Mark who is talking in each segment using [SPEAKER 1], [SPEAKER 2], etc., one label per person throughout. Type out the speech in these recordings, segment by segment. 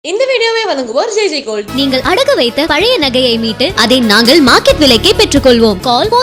[SPEAKER 1] இந்த வீடியோவை வழங்குவோர் ஜெய் ஜெய் கோல்ட்.
[SPEAKER 2] நீங்கள் அடகு வைத்த பழைய நகையை மீட்டு அதை நாங்கள் மார்க்கெட் விலைக்கே பெற்றுக்கொள்வோம். கால்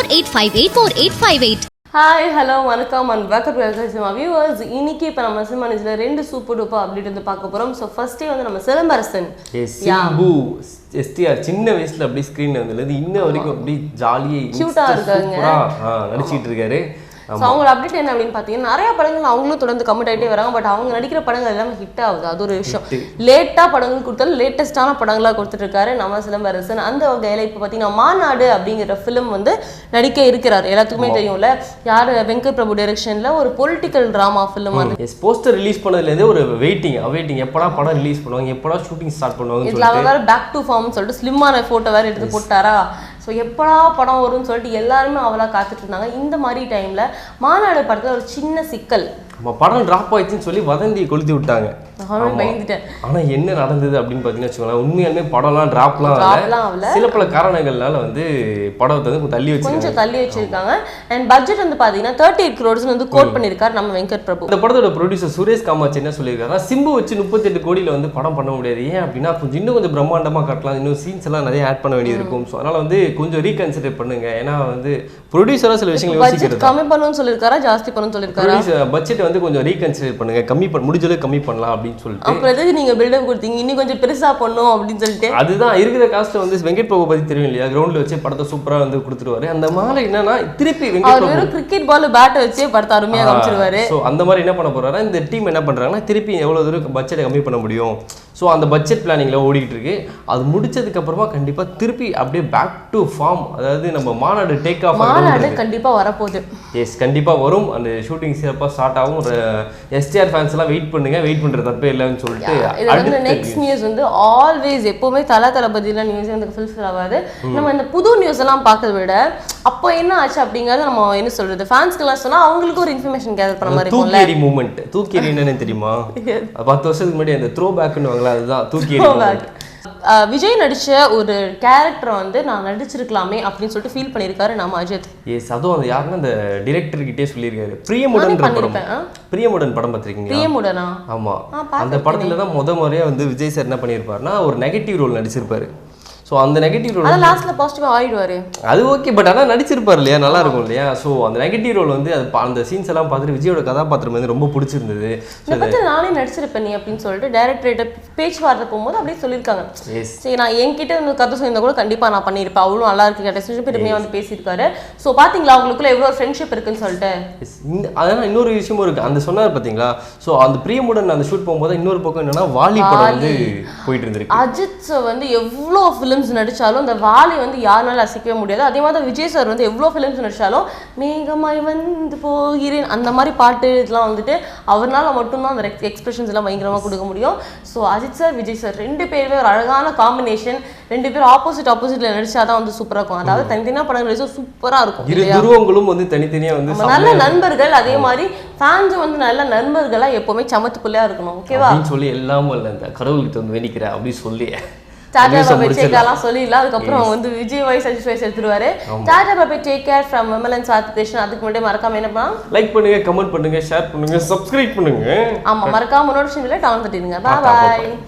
[SPEAKER 2] 48584858.
[SPEAKER 1] ஹாய் ஹலோ வணக்கம் and welcome to cinema viewers. இன்னைக்கு இப்போ நம்ம சினிமா நியூஸ்ல 2 சூப்பர் டூப்பர் அப்டேட் வந்து பார்க்க போறோம். ஸோ ஃபர்ஸ்டே வந்து நம்ம சிலம்பரசன்
[SPEAKER 3] சிம்பு எஸ்டிஆர் சின்ன வயசுல அப்படியே ஸ்க்ரீன்ல வந்து இன்ன வரைக்கும் அப்படியே ஜாலியா
[SPEAKER 1] கியூட்டா இருக்காங்க,
[SPEAKER 3] நடிச்சிட்டு இருக்காரு.
[SPEAKER 1] ஸோ அவங்களோட அப்டேட் என்ன அப்படின்னு பார்த்தீங்கன்னா நிறைய படங்கள் அவங்களும் தொடர்ந்து கமிட் ஆகிட்டே வராங்க. பட் அவங்க நடிக்கிற படங்கள் எல்லாமே ஹிட் ஆகுது, அது ஒரு விஷயம். லேட்டாக படங்கள் கொடுத்தாலும் லேட்டஸ்டான படங்களாக கொடுத்துட்ருக்காரு நம்ம சிலம்பரசன். அந்த வகையில் இப்போ பார்த்தீங்கன்னா மாநாடு அப்படிங்கிற ஃபிலிம் வந்து நடிக்க இருக்கிறார். எல்லாத்துக்குமே தெரியும்ல, யார் வெங்கட் பிரபு டைரக்ஷனில் ஒரு பொலிட்டிக்கல் ட்ராமா ஃபிலிம். அது
[SPEAKER 3] போஸ்டர் ரிலீஸ் பண்ணதுலேருந்தே ஒரு வெயிட்டிங் எப்படா படம் ரிலீஸ் பண்ணுவாங்க, எப்படா ஷூட்டிங் ஸ்டார்ட் பண்ணுவாங்க.
[SPEAKER 1] இதில் அவர் வேறு பேக் டு ஃபார்ம்னு சொல்லிட்டு ஸ்லிம்மான ஃபோட்டோ வேறு எடுத்து போட்டாரா. ஸோ எப்படா படம் வரும்னு சொல்லிட்டு எல்லாருமே அவளாக காத்துட்டு இருந்தாங்க. இந்த மாதிரி டைமில் மாநாடு படத்தில் ஒரு சின்ன சிக்கல்,
[SPEAKER 3] படம் டிராப் ஆயிடுச்சுன்னு சொல்லி வதந்தி கொளுத்தி விட்டாங்க.
[SPEAKER 1] பயந்துட்டேன்.
[SPEAKER 3] ஆனா என்ன நடந்தது அப்படின்னு பாத்தீங்கன்னா வச்சுக்கோங்களேன், உண்மையாலுமே படம்லாம் டிராப்லாம் ஆகல. சில பல காரணங்கள்னால வந்து படத்தை வந்து கொஞ்சம்
[SPEAKER 1] தள்ளி வச்சிருக்காங்க. அண்ட் பட்ஜெட் வந்து பாத்தீங்கன்னா 38 crores வந்து கோட் பண்ணிருக்காரு நம்ம வெங்கட் பிரபு.
[SPEAKER 3] இந்த படத்தோட ப்ரொடியூசர் சுரேஷ் காமாட்சி என்ன சொல்லியிருக்காருன்னா, சிம்பு வச்சு 38 கோடியில வந்து படம் பண்ண முடியாது. ஏன் அப்படின்னா இன்னும் கொஞ்சம் பிரம்மாண்டமா காட்டலாம், இன்னும் சீன்ஸ் எல்லாம் நிறைய ஆட் பண்ண வேண்டியது இருக்கும். ஸோ அதனால வந்து கொஞ்சம் ரீகன்சிடர் பண்ணுங்க. ஏன்னா வந்து ப்ரொடியூசரா சில விஷயங்கள் யோசிக்கிறது.
[SPEAKER 1] கம்மி பண்ணணும்னு சொல்லியிருக்காரா, ஜாஸ்தி பண்ணணும்னு சொல்லியிருக்காரா?
[SPEAKER 3] பட்ஜெட் வந்து கொஞ்சம் ரீகன்சிடர் பண்ணுங்க, முடிஞ்ச அளவுக்கு கம்மி பண்ணலாம் அப்படின்னு சொல்லிட்டு.
[SPEAKER 1] அப்புறம் எதுக்கு நீங்க பில்டப் கொடுத்தீங்க, இன்னும் கொஞ்சம் பெருசா பண்ணும் அப்படின்னு சொல்லிட்டு.
[SPEAKER 3] அதுதான் இருக்கிற காஸ்ட் வந்து வெங்கட் பிரபு பத்தி தெரியும் இல்லையா, கிரவுண்ட்ல வச்சு படத்தை சூப்பரா வந்து கொடுத்துருவாரு. அந்த மாதிரி என்னன்னா திருப்பி Venkat Prabhu
[SPEAKER 1] cricket ball bat வச்சு படத்தை அருமையா காமிச்சிருவாரு.
[SPEAKER 3] ஸோ அந்த மாதிரி என்ன பண்ண போறாரு, இந்த டீம் என்ன பண்றாங்கன்னா திருப்பி எவ்வளவு தூரம் பட்ஜெட்டை கம்மி பண்ண முடியும். ஸோ அந்த பட்ஜெட் பிளானிங்ல ஓடிக்கிட்டு இருக்கு. அது முடிச்சதுக்கு அப்புறமா கண்டிப்பா திருப்பி அப்படியே பேக் டு ஃபார்ம், அதாவது நம்ம மாநாடு டேக் ஆஃப்
[SPEAKER 1] கண்டிப்பா வரப்போகுது.
[SPEAKER 3] எஸ் கண்டிப்பா வரும். அந்த ஷூட்டிங் சிறப்பாக ஸ்டார்ட் ஆகும். எஸ்டிஆர் ஃபேன்ஸ் எல்லாம் வெயிட் பண்ணுங்க, வெயிட் பண்ற தப்பே இல்லைன்னு சொல்லிட்டு.
[SPEAKER 1] நெக்ஸ்ட் நியூஸ் வந்து ஆல்வேஸ் எப்பவுமே தளபதியெல்லாம் நியூஸ் வந்து ஃபுல்ஃபில் ஆகாது. நம்ம இந்த புது நியூஸ் எல்லாம் பார்க்கறத விட அப்போ என்ன ஆச்சு அப்படிங்கறத நம்ம என்ன சொல்றது, ஃபேன்ஸ்க்கெல்லாம் சொன்னா அவங்களுக்கு ஒரு இன்ஃபர்மேஷன் கேதர் பண்ண மாதிரி இருக்கும்ல.
[SPEAKER 3] தூக்கேரி மூமெண்ட், தூக்கேரி என்னன்னு தெரியுமா? 10 வருஷத்துக்கு முன்னாடி அந்த த்ரோ பேக்னு வாங்கலாம், அதுதான் தூக்கேரி மூமெண்ட்.
[SPEAKER 1] விஜய் நடிச்ச ஒரு கேரக்டரை வந்து நான் நடிச்சிருக்கலாமே அப்படின்னு சொல்லிட்டு ஃபீல் பண்ணியிருக்காரு நம்ம அஜித்.
[SPEAKER 3] எஸ், அதுவும் அது யாருன்னா அந்த டிரெக்டர் கிட்டே சொல்லியிருக்காரு. பிரியமுடன் படம் பார்த்திருக்கீங்க?
[SPEAKER 1] பிரியமுடனா?
[SPEAKER 3] ஆமா, அந்த படத்துல தான் முறையா வந்து விஜய் சார் என்ன பண்ணியிருப்பாருன்னா ஒரு நெகட்டிவ் ரோல் நடிச்சிருப்பாரு. ஸோ அந்த நெகட்டிவ் ரோல்
[SPEAKER 1] அதான் லாஸ்ட்ல பாசிட்டிவா ஆயிடுவாரு.
[SPEAKER 3] அது ஓகே, பட் ஆனால் நடிச்சிருப்பாரு இல்லையா, நல்லா இருக்கும் இல்லையா. ஸோ அந்த நெகட்டிவ் ரோல் வந்து அது அந்த சீன்ஸ் எல்லாம் பார்த்துட்டு விஜயோட கதாபாத்திரம் வந்து ரொம்ப பிடிச்சிருந்தது.
[SPEAKER 1] இதை பற்றி நானே நடிச்சிருப்பேன் நீ அப்படின்னு சொல்லிட்டு டைரக்டர்கிட்ட பேச்சுவார்த்தை போகும்போது அப்படியே சொல்லியிருக்காங்க. சரி, நான் என்கிட்ட வந்து கதை சொல்லியிருந்தா கூட கண்டிப்பாக நான் பண்ணியிருப்பேன், அவ்வளோ நல்லா இருக்கு கேட்ட பெருமையாக வந்து பேசியிருக்காரு. ஸோ பார்த்தீங்களா அவங்களுக்குள்ள எவ்வளோ ஃப்ரெண்ட்ஷிப் இருக்குன்னு சொல்லிட்டு.
[SPEAKER 3] அதனால் இன்னொரு விஷயமும் இருக்கு, அந்த சொன்னார் பார்த்தீங்களா. ஸோ அந்த பிரியமுடன் அந்த ஷூட் போகும்போது இன்னொரு பக்கம் என்னன்னா வாலி படம் வந்து போயிட்டு இருந்திருக்கு.
[SPEAKER 1] அஜித் வந்து எவ்வளோ நடிச்சாலும் இந்த வாலி வந்து யாருனாலும் அசைக்கவே முடியாது. அதே மாதிரி விஜய் சார் வந்து எவ்வளோ ஃபிலிம்ஸ் நடிச்சாலும் மேகமாய் வந்து போகிறேன் அந்த மாதிரி பாட்டு இதெல்லாம் வந்துட்டு அவரால் மட்டும்தான் அந்த எக்ஸ்பிரஷன்ஸ் எல்லாம் பயங்கரமாக கொடுக்க முடியும். So Ajith sir Vijay sir 2 பேருமே ஒரு அழகான காம்பினேஷன். 2 பேரும் ஆப்போசிட்ல நடிச்சாதான் வந்து சூப்பராக இருக்கும். அதாவது தனித்தனியாக படங்கள் நடிச்சா சூப்பராக இருக்கும்.
[SPEAKER 3] இரு துருவங்களும் வந்து தனித்தனியாக வந்து
[SPEAKER 1] நல்ல நண்பர்கள், அதே மாதிரி ஃபேன்ஸும் வந்து நல்ல நண்பர்களாக எப்பவுமே சமத்து பிள்ளையா இருக்கணும். ஓகேவா
[SPEAKER 3] சொல்லி எல்லாமும் இல்லை, இந்த கடவுள்கிட்ட வந்து வேண்டிக்கிறேன் அப்படின்னு சொல்லி
[SPEAKER 1] டாடா பாபா டேக் கேர்லாம் சொல்லிடலாம். அதுக்கப்புறம் வந்து விஜய் வாய்ஸ் அஜித் வாய்ஸ் எடுத்துருவாரு. டாடா பாபா take care from Vimalan Sath Krishnan. அதுக்கு முன்னாடி மறக்காம என்ன பண்ணலாம்,
[SPEAKER 3] லைக் பண்ணுங்க, கமெண்ட் பண்ணுங்க, ஷேர் பண்ணுங்க, சப்ஸ்கிரைப் பண்ணுங்க.
[SPEAKER 1] ஆமா, மறக்காம நோட்டிஃபிகேஷன் பெல் டவுன் தட்டிடுங்க. பாய் பாய்.